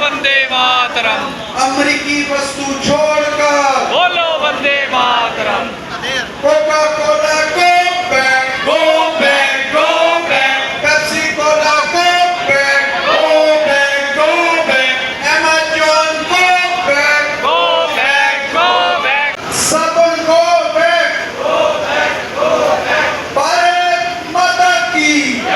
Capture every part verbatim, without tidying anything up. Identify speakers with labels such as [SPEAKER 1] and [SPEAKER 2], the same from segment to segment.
[SPEAKER 1] वंदे मातरम।
[SPEAKER 2] अमेरिकी वस्तु छोड़कर
[SPEAKER 1] बोलो वंदे मातरम।
[SPEAKER 2] Coca Cola go back
[SPEAKER 1] go back go back
[SPEAKER 2] Pepsi Cola go back
[SPEAKER 1] go back go back
[SPEAKER 2] Amazon go back
[SPEAKER 1] go back go back
[SPEAKER 2] साबुन go back Bharat माता की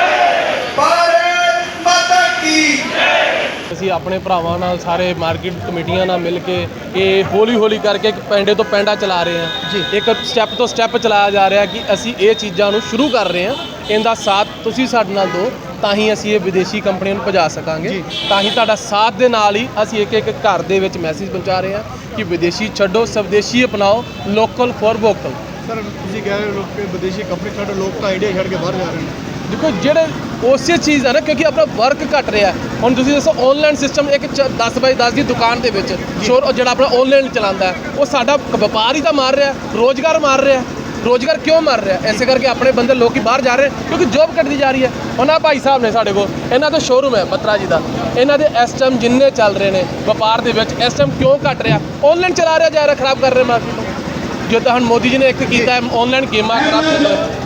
[SPEAKER 2] भारत माता की।
[SPEAKER 3] ਅਸੀਂ ਆਪਣੇ ਭਰਾਵਾਂ ਨਾਲ ਸਾਰੇ ਮਾਰਕੀਟ ਕਮੇਟੀਆਂ ਨਾਲ ਮਿਲ ਕੇ ਇਹ ਹੌਲੀ ਹੌਲੀ ਕਰਕੇ ਇੱਕ ਪੈਂਡੇ ਤੋਂ ਪੈਂਡਾ ਚਲਾ ਰਹੇ ਹਾਂ ਜੀ। ਇੱਕ ਸਟੈਪ ਤੋਂ ਸਟੈਪ ਚਲਾਇਆ ਜਾ ਰਿਹਾ ਕਿ ਅਸੀਂ ਇਹ ਚੀਜ਼ਾਂ ਨੂੰ ਸ਼ੁਰੂ ਕਰ ਰਹੇ ਹਾਂ। ਇਹਦਾ ਸਾਥ ਤੁਸੀਂ ਸਾਡੇ ਨਾਲ ਦਿਓ ਤਾਂ ਹੀ ਅਸੀਂ ਇਹ ਵਿਦੇਸ਼ੀ ਕੰਪਨੀਆਂ ਨੂੰ ਭਜਾ ਸਕਾਂਗੇ। ਤਾਂ ਹੀ ਤੁਹਾਡਾ ਸਾਥ ਦੇ ਨਾਲ ਹੀ ਅਸੀਂ ਇੱਕ ਇੱਕ ਘਰ ਦੇ ਵਿੱਚ ਮੈਸੇਜ ਪਹੁੰਚਾ ਰਹੇ ਹਾਂ ਕਿ ਵਿਦੇਸ਼ੀ ਛੱਡੋ, ਸਵਦੇਸ਼ੀ ਅਪਣਾਓ, ਲੋਕਲ ਫॉर ਵੋਕਲ।
[SPEAKER 4] ਸਰ ਤੁਸੀਂ ਕਹਿ ਰਹੇ ਹੋ ਕਿ ਵਿਦੇਸ਼ੀ ਕੰਪਨੀ ਛੱਡ ਲੋਕ ਤਾਂ ਇੰਡੀਆ ਛੱਡ ਕੇ ਬਾਹਰ ਜਾ ਰਹੇ ਨੇ।
[SPEAKER 3] ਦੇਖੋ ਜਿਹੜੇ ਉਸੇ ਚੀਜ਼ ਹੈ ਨਾ, ਕਿਉਂਕਿ ਆਪਣਾ ਵਰਕ ਘਟ ਰਿਹਾ। ਹੁਣ ਤੁਸੀਂ ਦੱਸੋ ਆਨਲਾਈਨ ਸਿਸਟਮ ਇੱਕ ਦਸ ਬਾਈ ਦਸ ਦੀ ਦੁਕਾਨ ਦੇ ਵਿੱਚ ਸ਼ੋਰ ਜਿਹੜਾ ਆਪਣਾ ਆਨਲਾਈਨ ਚਲਾਉਂਦਾ ਉਹ ਸਾਡਾ ਵਪਾਰ ਹੀ ਤਾਂ ਮਾਰ ਰਿਹਾ, ਰੋਜ਼ਗਾਰ ਮਾਰ ਰਿਹਾ। ਰੋਜ਼ਗਾਰ ਕਿਉਂ ਮਾਰ ਰਿਹਾ? ਐਸੇ ਕਰਕੇ ਆਪਣੇ ਬੰਦੇ ਲੋਕੀ ਬਾਹਰ ਜਾ ਰਹੇ ਕਿਉਂਕਿ ਜੋਬ ਘਟਦੀ ਜਾ ਰਹੀ ਹੈ। ਹੁਣ ਆਹ ਭਾਈ ਸਾਹਿਬ ਨੇ ਸਾਡੇ ਕੋਲ, ਇਹਨਾਂ ਦਾ ਸ਼ੋਰੂਮ ਹੈ ਬੱਤਰਾ ਜੀ ਦਾ। ਇਹਨਾਂ ਦੇ ਇਸ ਟਾਈਮ ਜਿੰਨੇ ਚੱਲ ਰਹੇ ਨੇ ਵਪਾਰ ਦੇ ਵਿੱਚ ਇਸ ਟਾਈਮ ਕਿਉਂ ਘਟ ਰਿਹਾ? ਆਨਲਾਈਨ ਚਲਾ ਰਿਹਾ ਜਾ ਰਿਹਾ, ਖਰਾਬ ਕਰ ਰਿਹਾ ਮਾਰਕੀਟ ਨੂੰ। ਜੋ ਤਾਂ ਹੁਣ ਮੋਦੀ ਜੀ ਨੇ ਇੱਕ ਕੀਤਾ ਹੈ ਆਨਲਾਈਨ ਗੇਮਾਂ ਖਰਾਬ ਕਰ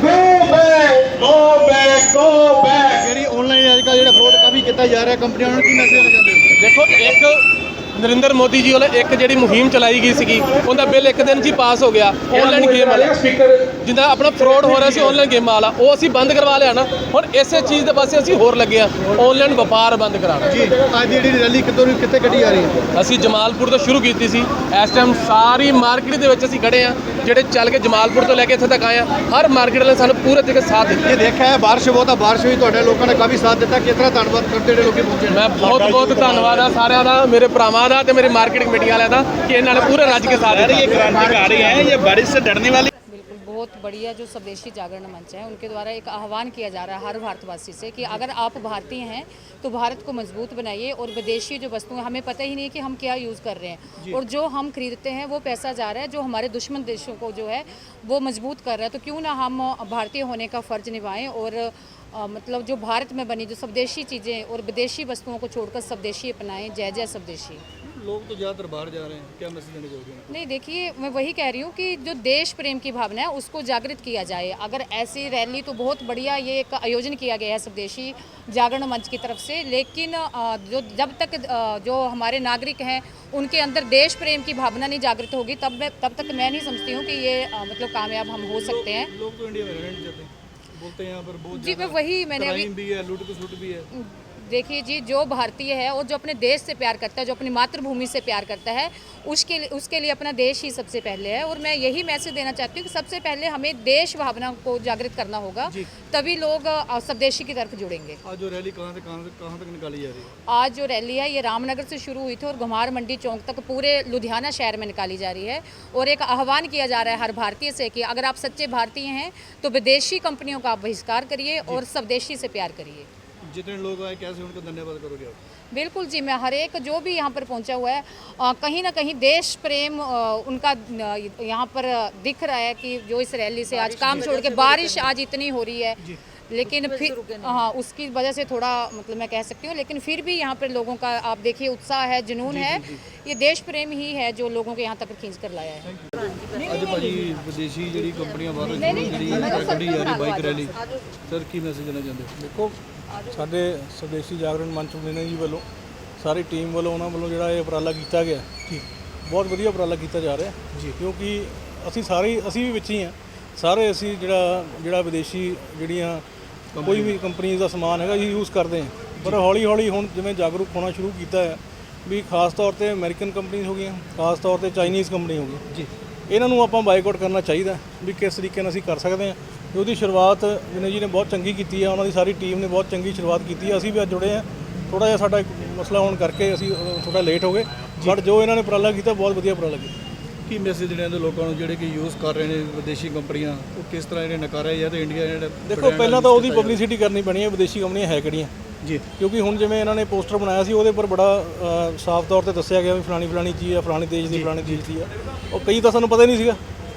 [SPEAKER 4] ਜਿਹੜੀ ਆਨਲਾਈਨ ਅੱਜ ਕੱਲ੍ਹ ਜਿਹੜਾ ਫਰੋਡ ਕਾਫੀ ਕੀਤਾ ਜਾ ਰਿਹਾ, ਕੰਪਨੀਆਂ ਨੂੰ ਕੀ ਮੈਸੇਜ ਦੇਣਾ ਚਾਹੁੰਦੇ ਹੋ?
[SPEAKER 3] ਦੇਖੋ ਇੱਕ ਨਰਿੰਦਰ ਮੋਦੀ ਜੀ ਵੱਲੋਂ ਇੱਕ ਜਿਹੜੀ ਮੁਹਿੰਮ ਚਲਾਈ ਗਈ ਸੀਗੀ ਉਹਦਾ ਬਿੱਲ ਇੱਕ ਦਿਨ 'ਚ ਹੀ ਪਾਸ ਹੋ ਗਿਆ। ਆਨਲਾਈਨ ਗੇਮ ਵਾਲਾ ਜਿੱਦਾਂ ਆਪਣਾ ਫਰੋਡ ਹੋ ਰਿਹਾ ਸੀ ਆਨਲਾਈਨ ਗੇਮਾਂ ਵਾਲਾ, ਉਹ ਅਸੀਂ ਬੰਦ ਕਰਵਾ ਲਿਆ ਨਾ। ਹੁਣ ਇਸੇ ਚੀਜ਼ ਦੇ ਪਾਸੇ ਅਸੀਂ ਹੋਰ ਲੱਗੇ ਹਾਂ, ਆਨਲਾਈਨ ਵਪਾਰ ਬੰਦ ਕਰਾਉਣਾ
[SPEAKER 4] ਜੀ ਅੱਜ ਦੀ ਜਿਹੜੀ ਰੈਲੀ ਕਿੱਥੋਂ ਨੂੰ ਕਿੱਥੇ ਕੱਢੀ ਜਾ ਰਹੀ ਹੈ?
[SPEAKER 3] ਅਸੀਂ ਜਮਾਲਪੁਰ ਤੋਂ ਸ਼ੁਰੂ ਕੀਤੀ ਸੀ। ਇਸ ਟਾਈਮ ਸਾਰੀ ਮਾਰਕੀਟ ਦੇ ਵਿੱਚ ਅਸੀਂ ਖੜੇ ਹਾਂ, ਜਿਹੜੇ ਚੱਲ ਕੇ ਜਮਾਲਪੁਰ ਤੋਂ ਲੈ ਕੇ ਇੱਥੇ ਤੱਕ ਆਏ ਹਾਂ। ਹਰ ਮਾਰਕੀਟ ਵਾਲੇ ਸਾਨੂੰ ਪੂਰੇ ਤਰੀਕੇ ਸਾਥ ਦਿੱਤਾ।
[SPEAKER 4] ਇਹ ਦੇਖਿਆ ਹੈ ਬਾਰਿਸ਼ ਬਹੁਤ ਆ, ਬਾਰਿਸ਼ ਵੀ ਤੁਹਾਡੇ ਲੋਕਾਂ ਨੇ ਕਾਫੀ ਸਾਥ ਦਿੱਤਾ। ਕਿਸ ਤਰ੍ਹਾਂ ਧੰਨਵਾਦ ਕਰਦੇ ਜਿਹੜੇ ਲੋਕੀ ਪਹੁੰਚੇ?
[SPEAKER 3] ਮੈਂ ਬਹੁਤ ਬਹੁਤ ਧੰਨਵਾਦ ਆ ਸਾਰਿਆਂ ਦਾ, ਮੇਰੇ ਭਰਾਵਾਂ ਦਾ ਤੇ ਮੇਰੀ ਮਾਰਕੀਟ ਕਮੇਟੀ ਵਾਲਿਆਂ ਦਾ कि इन्होंने पूरे राज्य के साथ
[SPEAKER 5] ये क्रांतिकारी है, ये बारिश से डरने वाली।
[SPEAKER 6] बिल्कुल बहुत बढ़िया जो स्वदेशी जागरण मंच है उनके द्वारा एक आह्वान किया जा रहा है हर भारतवासी से कि अगर आप भारतीय हैं तो भारत को मजबूत बनाइए और विदेशी जो वस्तुएं हमें पता ही नहीं है कि हम क्या यूज़ कर रहे हैं और जो हम खरीदते हैं वो पैसा जा रहा है जो हमारे दुश्मन देशों को जो है वो मजबूत कर रहा है। तो क्यों ना हम भारतीय होने का फ़र्ज निभाएं और आ, मतलब जो भारत में बनी जो स्वदेशी चीज़ें और विदेशी वस्तुओं को छोड़कर स्वदेशी अपनाएं। जय जय स्वदेशी।
[SPEAKER 4] लोग तो ज़्यादातर बाहर जा रहे हैं, क्या मैसेज देना चाहोगे?
[SPEAKER 6] नहीं देखिए, मैं वही कह रही हूँ कि जो देश प्रेम की भावना है उसको जागृत किया जाए। अगर ऐसी रैली तो बहुत बढ़िया ये एक आयोजन किया गया है स्वदेशी जागरण मंच की तरफ से, लेकिन जो जब तक जो हमारे नागरिक हैं उनके अंदर देश प्रेम की भावना नहीं जागृत होगी तब मैं तब तक मैं नहीं समझती हूँ कि ये मतलब कामयाब हम हो सकते हैं।
[SPEAKER 4] लोग तो इंडिया में रहना नहीं चाहते, बोलते हैं यहाँ पर बहुत
[SPEAKER 6] जी मैं वही मैंने अभी
[SPEAKER 4] भी है, लूट खसुट भी है।
[SPEAKER 6] देखिए जी, जो भारतीय है और जो अपने देश से प्यार करता है, जो अपनी मातृभूमि से प्यार करता है, उसके लिए उसके लिए अपना देश ही सबसे पहले है। और मैं यही मैसेज देना चाहती हूँ कि सबसे पहले हमें देश भावना को जागृत करना होगा, तभी लोग स्वदेशी की तरफ जुड़ेंगे।
[SPEAKER 4] आज जो रैली कहाँ से कहाँ से कहाँ तक निकाली जा रही है?
[SPEAKER 6] आज जो रैली है ये रामनगर से शुरू हुई थी और घुमार मंडी चौक तक पूरे लुधियाना शहर में निकाली जा रही है। और एक आह्वान किया जा रहा है हर भारतीय से कि अगर आप सच्चे भारतीय हैं तो विदेशी कंपनियों का आप बहिष्कार करिए और स्वदेशी से प्यार करिए।
[SPEAKER 4] जितने लोग आए कैसे उनको धन्यवाद करोगे आप?
[SPEAKER 6] बिल्कुल जी, मैं हर एक जो भी यहाँ पर पहुँचा हुआ है आ, कहीं ना कहीं देश प्रेम आ, उनका यहाँ पर दिख रहा है कि जो इस रैली से आज काम छोड़ के बारिश आज इतनी हो रही है लेकिन फिर हाँ उसकी वजह से थोड़ा मतलब मैं कह सकती हूँ, लेकिन फिर भी यहाँ पर लोगों का आप देखिए उत्साह है, जुनून है। ये देश प्रेम ही है जो लोगों को यहाँ तक खींच कर लाया है।
[SPEAKER 4] ਅੱਜ ਭਾਜੀ ਵਿਦੇਸ਼ੀ ਜਿਹੜੀ ਕੰਪਨੀਆਂ ਬਾਹਰੋਂ ਜਿਹੜੀ ਕੱਢੀ ਜਾ ਰਹੀ ਬਾਈਕ ਰੈਲੀ, ਸਰ ਕੀ ਮੈਸੇਜ ਦੇਣਾ ਚਾਹੁੰਦੇ ਹੋ?
[SPEAKER 7] ਦੇਖੋ ਸਾਡੇ ਸਵਦੇਸ਼ੀ ਜਾਗਰਣ ਮੰਚ ਨੇ ਜੀ ਵੱਲੋਂ ਸਾਰੀ ਟੀਮ ਵੱਲੋਂ ਉਹਨਾਂ ਵੱਲੋਂ ਜਿਹੜਾ ਇਹ ਉਪਰਾਲਾ ਕੀਤਾ ਗਿਆ ਜੀ, ਬਹੁਤ ਵਧੀਆ ਉਪਰਾਲਾ ਕੀਤਾ ਜਾ ਰਿਹਾ ਜੀ। ਕਿਉਂਕਿ ਅਸੀਂ ਸਾਰੇ ਅਸੀਂ ਵੀ ਵਿੱਚ ਹੀ ਹਾਂ, ਸਾਰੇ ਅਸੀਂ ਜਿਹੜਾ ਜਿਹੜਾ ਵਿਦੇਸ਼ੀ ਜਿਹੜੀਆਂ ਕੋਈ ਵੀ ਕੰਪਨੀ ਦਾ ਸਮਾਨ ਹੈਗਾ ਜੀ ਯੂਜ਼ ਕਰਦੇ ਹਾਂ। ਪਰ ਹੌਲੀ ਹੌਲੀ ਹੁਣ ਜਿਵੇਂ ਜਾਗਰੂਕ ਹੋਣਾ ਸ਼ੁਰੂ ਕੀਤਾ ਹੈ ਵੀ ਖਾਸ ਤੌਰ ਤੇ ਅਮਰੀਕਨ ਕੰਪਨੀਆਂ ਹੋ ਗਈਆਂ, ਖਾਸ ਤੌਰ ਤੇ ਚਾਈਨੀਜ਼ ਕੰਪਨੀ ਹੋ ਗਈ ਜੀ, ਇਹਨਾਂ ਨੂੰ ਆਪਾਂ ਬਾਈਕਾਟ ਕਰਨਾ ਚਾਹੀਦਾ ਵੀ ਕਿਸ ਤਰੀਕੇ ਨਾਲ ਅਸੀਂ ਕਰ ਸਕਦੇ ਹਾਂ। ਉਹਦੀ ਸ਼ੁਰੂਆਤ ਵਿਨੈ ਜੀ ਨੇ ਬਹੁਤ ਚੰਗੀ ਕੀਤੀ ਹੈ, ਉਹਨਾਂ ਦੀ ਸਾਰੀ ਟੀਮ ਨੇ ਬਹੁਤ ਚੰਗੀ ਸ਼ੁਰੂਆਤ ਕੀਤੀ ਹੈ। ਅਸੀਂ ਵੀ ਅੱਜ ਜੁੜੇ ਹਾਂ, ਥੋੜ੍ਹਾ ਜਿਹਾ ਸਾਡਾ ਇੱਕ ਮਸਲਾ ਹੋਣ ਕਰਕੇ ਅਸੀਂ ਥੋੜ੍ਹਾ ਲੇਟ ਹੋ ਗਏ, ਬਟ ਜੋ ਇਹਨਾਂ ਨੇ ਉਪਰਾਲਾ ਕੀਤਾ ਬਹੁਤ ਵਧੀਆ ਉਪਰਾਲਾ ਕੀਤਾ।
[SPEAKER 4] ਕੀ ਮੈਸੇਜ ਦੇਣਾ ਚਾਹੁੰਦੇ ਲੋਕਾਂ ਨੂੰ ਜਿਹੜੇ ਕਿ ਯੂਜ਼ ਕਰ ਰਹੇ ਨੇ ਵਿਦੇਸ਼ੀ ਕੰਪਨੀਆਂ, ਉਹ ਕਿਸ ਤਰ੍ਹਾਂ ਇਹਨੇ ਨਕਾਰਿਆ ਜਾਂ ਤੇ ਇੰਡੀਆ ਜਿਹੜਾ
[SPEAKER 7] ਦੇਖੋ ਪਹਿਲਾਂ ਤਾਂ ਉਹਦੀ ਪਬਲਿਸਿਟੀ ਕਰਨੀ ਪੈਣੀ ਹੈ ਵਿਦੇਸ਼ੀ ਕੰਪਨੀਆਂ ਹੈ ਕਿਹੜੀਆਂ
[SPEAKER 4] ਜੀ,
[SPEAKER 7] ਕਿਉਂਕਿ ਹੁਣ ਜਿਵੇਂ ਇਹਨਾਂ ਨੇ ਪੋਸਟਰ ਬਣਾਇਆ ਸੀ ਉਹਦੇ ਉੱਪਰ ਬੜਾ ਸਾਫ਼ ਤੌਰ ਤੇ ਦੱਸਿਆ ਗਿਆ ਵੀ ਫਲਾਣੀ ਫਲਾਣੀ ਚੀਜ਼ ਆ, ਫਲਾਣੀ ਦੇਸ਼ ਦੀ ਫਲਾਣੀ ਦੇਸ਼ ਦੀ ਆ, ਉਹ ਕਈ ਤਾਂ ਸਾਨੂੰ ਪਤਾ ਹੀ ਨਹੀਂ ਸੀਗਾ।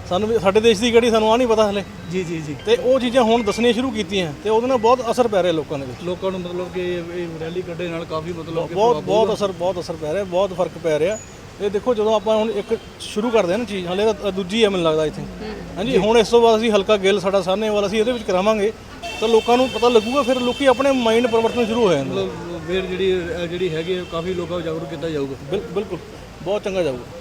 [SPEAKER 7] ਸਾਨੂੰ ਵੀ ਸਾਡੇ ਦੇਸ਼ ਦੀ ਕਿਹੜੀ ਸਾਨੂੰ ਆ ਨਹੀਂ ਪਤਾ ਹਲੇ
[SPEAKER 4] ਜੀ ਜੀ ਜੀ
[SPEAKER 7] ਤੇ ਉਹ ਚੀਜ਼ਾਂ ਹੁਣ ਦੱਸਣੀਆਂ ਸ਼ੁਰੂ ਕੀਤੀਆਂ ਤੇ ਉਹਦੇ ਨਾਲ ਬਹੁਤ ਅਸਰ ਪੈ ਰਿਹਾ ਲੋਕਾਂ ਦੇ ਵਿੱਚ
[SPEAKER 4] ਲੋਕਾਂ ਨੂੰ ਮਤਲਬ ਕਿ ਇਹ ਇਹ ਰੈਲੀ ਕੱਢੇ ਨਾਲ ਕਾਫੀ ਮਤਲਬ ਕਿ
[SPEAKER 7] ਬਹੁਤ ਬਹੁਤ ਅਸਰ ਬਹੁਤ ਅਸਰ ਪੈ ਰਿਹਾ ਬਹੁਤ ਫਰਕ ਪੈ ਰਿਹਾ ਇਹ ਦੇਖੋ ਜਦੋਂ ਆਪਾਂ ਹੁਣ ਇੱਕ ਸ਼ੁਰੂ ਕਰਦੇ ਹਾਂ ਨਾ ਚੀਜ਼ ਹਲੇ ਤਾਂ ਦੂਜੀ ਹੈ ਮੈਨੂੰ ਲੱਗਦਾ ਇੱਥੇ ਹਾਂਜੀ ਹੁਣ ਇਸ ਤੋਂ ਬਾਅਦ ਅਸੀਂ ਹਲਕਾ ਗਿੱਲ ਸਾਡਾ ਸਾਹਨੇ ਵਾਲਾ ਅਸੀਂ ਇਹਦੇ ਵਿੱਚ ਕਰਾਵਾਂਗੇ ਤਾਂ ਲੋਕਾਂ ਨੂੰ ਪਤਾ ਲੱਗੂਗਾ ਫਿਰ ਲੋਕੀ ਆਪਣੇ ਮਾਈਂਡ ਪਰਿਵਰਤਨ ਸ਼ੁਰੂ ਹੋ ਜਾਂਦੇ
[SPEAKER 4] ਮਤਲਬ ਫਿਰ ਜਿਹੜੀ ਜਿਹੜੀ ਹੈਗੀ ਕਾਫੀ ਲੋਕਾਂ ਨੂੰ ਜਾਗਰੂਕ ਕੀਤਾ ਜਾਊਗਾ
[SPEAKER 7] ਬਿਲ- ਬਿਲਕੁਲ ਬਹੁਤ ਚੰਗਾ ਜਾਊਗਾ